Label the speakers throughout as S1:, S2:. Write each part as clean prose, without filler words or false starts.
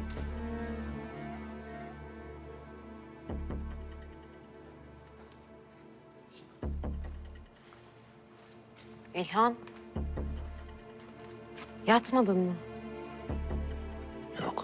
S1: İlhan. Yatmadın mı?
S2: Yok.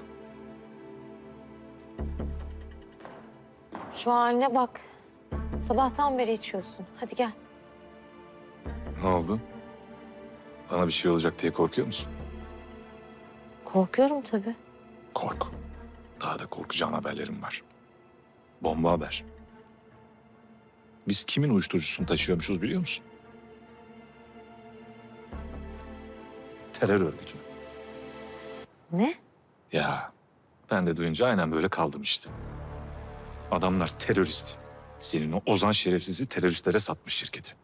S1: Şu haline bak. Sabahtan beri içiyorsun. Hadi gel.
S2: Ne oldu? Bana bir şey olacak diye korkuyor musun?
S1: Korkuyorum tabii.
S2: Kork. Daha da korkacağın haberlerim var. Bomba haber. Biz kimin uyuşturucusunu taşıyormuşuz biliyor musun? Terör örgütü.
S1: Ne?
S2: Ya ben de duyunca aynen böyle kaldım işte. Adamlar terörist. Senin o Ozan şerefsizi teröristlere satmış şirketi.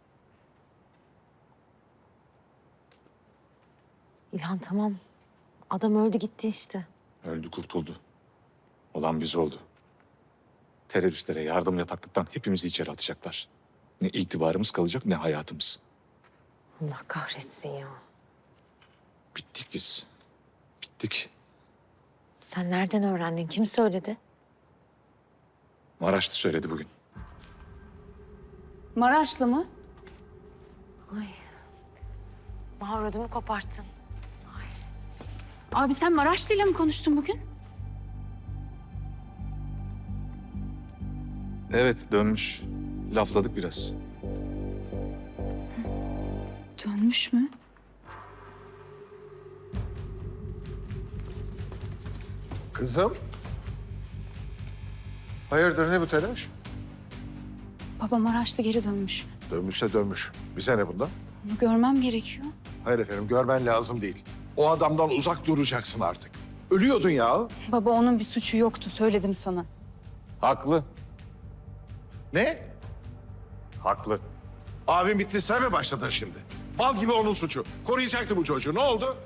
S1: İlhan tamam. Adam öldü gitti işte.
S2: Öldü kurtuldu. Olan biz oldu. Teröristlere yardım yataklıktan hepimizi içeri atacaklar. Ne itibarımız kalacak ne hayatımız.
S1: Allah kahretsin ya.
S2: Bittik biz. Bittik.
S1: Sen nereden öğrendin? Kim söyledi?
S2: Maraşlı söyledi bugün.
S3: Maraşlı mı?
S1: Ay. Bahar ödümü koparttın.
S3: Abi sen Maraşlı'yla mı konuştun bugün?
S2: Evet dönmüş. Lafladık biraz.
S3: Dönmüş mü?
S4: Kızım. Hayırdır ne bu telaş?
S3: Baba Maraşlı geri dönmüş.
S4: Dönmüşse dönmüş. Bize ne bundan?
S3: Bunu görmem gerekiyor.
S4: Hayır efendim görmen lazım değil. O adamdan uzak duracaksın artık. Ölüyordun ya.
S3: Baba onun bir suçu yoktu söyledim sana.
S2: Haklı.
S4: Ne?
S2: Haklı.
S4: Abim bitti sen mi başladın şimdi? Bal gibi onun suçu. Koruyacaktı bu çocuğu. Ne oldu?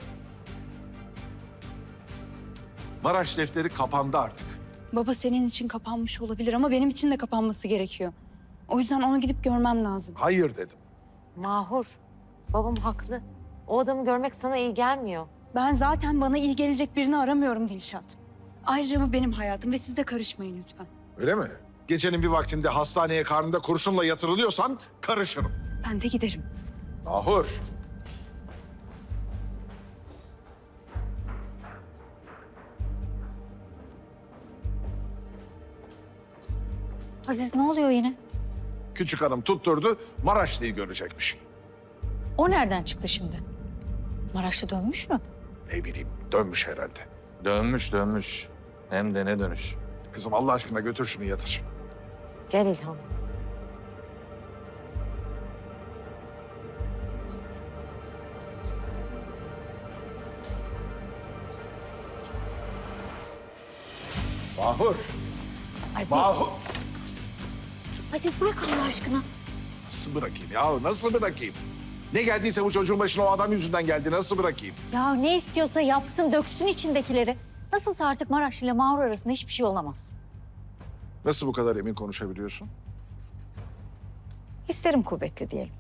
S4: Maraş defteri kapandı artık.
S3: Baba senin için kapanmış olabilir ama benim için de kapanması gerekiyor. O yüzden onu gidip görmem lazım.
S4: Hayır dedim.
S1: Mahur. Babam haklı. O adamı görmek sana iyi gelmiyor.
S3: Ben zaten bana iyi gelecek birini aramıyorum Dilşat. Ayrıca bu benim hayatım ve siz de karışmayın lütfen.
S4: Öyle mi? Gecenin bir vaktinde hastaneye karnında kurşunla yatırılıyorsan karışırım.
S3: Ben de giderim.
S4: Ahur.
S5: Aziz ne oluyor yine?
S4: Küçük hanım tutturdu Maraşlı'yı görecekmiş.
S5: O nereden çıktı şimdi? Maraşlı dönmüş mü?
S4: Ne bileyim dönmüş herhalde.
S2: Dönmüş dönmüş. Hem de ne dönüş.
S4: Kızım Allah aşkına götür şunu yatır.
S1: Gel İlhan.
S4: Mahur.
S5: Aziz,
S4: Mahur.
S5: Aziz bırak Allah aşkına.
S4: Nasıl bırakayım ya? Nasıl bırakayım? Ne geldiyse bu çocuğun başına o adam yüzünden geldi. Nasıl bırakayım?
S5: Ya ne istiyorsa yapsın, döksün içindekileri. Nasılsa artık Maraşlı ile Mağrur arasında hiçbir şey olamaz.
S4: Nasıl bu kadar emin konuşabiliyorsun?
S5: Hislerim kuvvetli diyelim.